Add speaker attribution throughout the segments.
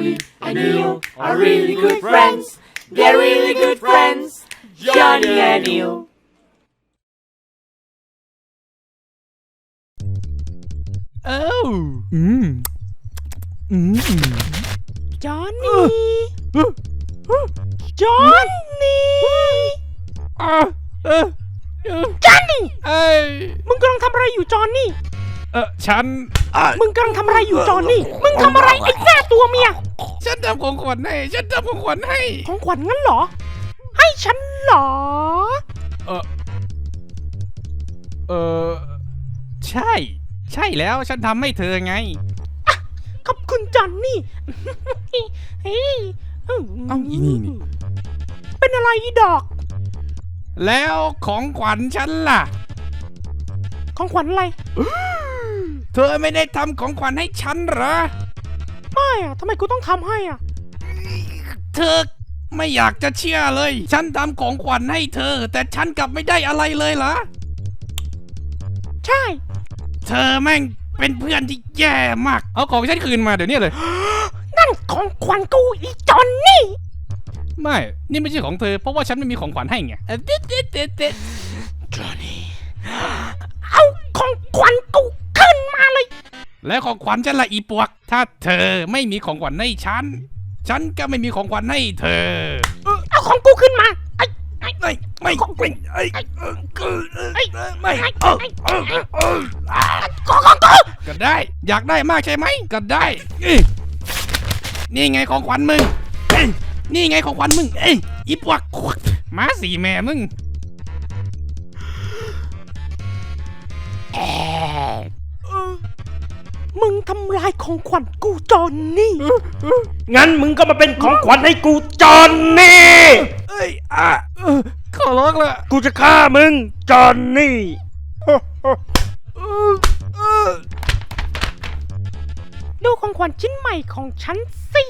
Speaker 1: Johnny and Neil are really good friends. They're really good friends. Johnny and Neil.
Speaker 2: จอห์นนี่จอห์นนี่จอห์นนี่มึงกำลังทำอะไรอยู่จอห์นนี่
Speaker 3: ฉัน
Speaker 2: มึงกำลังทำอะไรอยู่จอห์นนี่มึงทำอะไรไอ้แม่ตัวเมีย
Speaker 3: ฉันทำของขวัญให้ของขวัญ
Speaker 2: งั้นเหรอให้ฉันเหรอ
Speaker 3: ใช่แล้วฉันทำให้เธอไง
Speaker 2: ขอบคุณจอห์นนี่
Speaker 3: อีนี่
Speaker 2: เป็นอะไรอีดอก
Speaker 3: แล้วของขวัญฉันล่ะ
Speaker 2: ของขวัญอะไร
Speaker 3: เธอไม่ได้ทำของขวัญให้ฉันเหรอ
Speaker 2: ไม่อะทำไมกูต้องทำให้อะ
Speaker 3: เธอไม่อยากจะเชื่อเลยฉันทำของขวัญให้เธอแต่ฉันกลับไม่ได้อะไรเลยเหรอ
Speaker 2: ใช่
Speaker 3: เธอแม่งเป็นเพื่อนที่แย่มากเอาของฉันคืนมาเดี๋ยวนี้เลย
Speaker 2: นั่นของขวัญกูอีจอนนี่
Speaker 3: ไม่นี่ไม่ใช่ของเธอเพราะว่าฉันไม่มีของขวัญให้ไง
Speaker 2: จอนนี่เอาของขวัญกูขึ้นมาเลย
Speaker 3: แล้วของขวัญฉันละอีปวกถ้าเธอไม่มีของขวัญให้ฉันก็ไม่มีของขวัญให้เธอ
Speaker 2: เอาของกูขึ้นมา
Speaker 3: ไม่
Speaker 2: ของกู
Speaker 3: ก็ได้อยากได้มากใช่ไหมก็ได้นี่ไงของขวัญมึงนี่ไงของขวัญมึงอีปวกมาสีแม่มึง
Speaker 2: มึงทำลายของขวัญกูจอนนี่
Speaker 1: งั้นมึงก็มาเป็นของขวัญให้กูจอนนี่
Speaker 3: ขอร้องละ
Speaker 1: กูจะฆ่ามึงจอนนี่
Speaker 2: ดูของขวัญชิ้นใหม่ของฉันสิ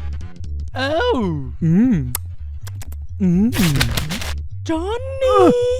Speaker 2: จอนนี่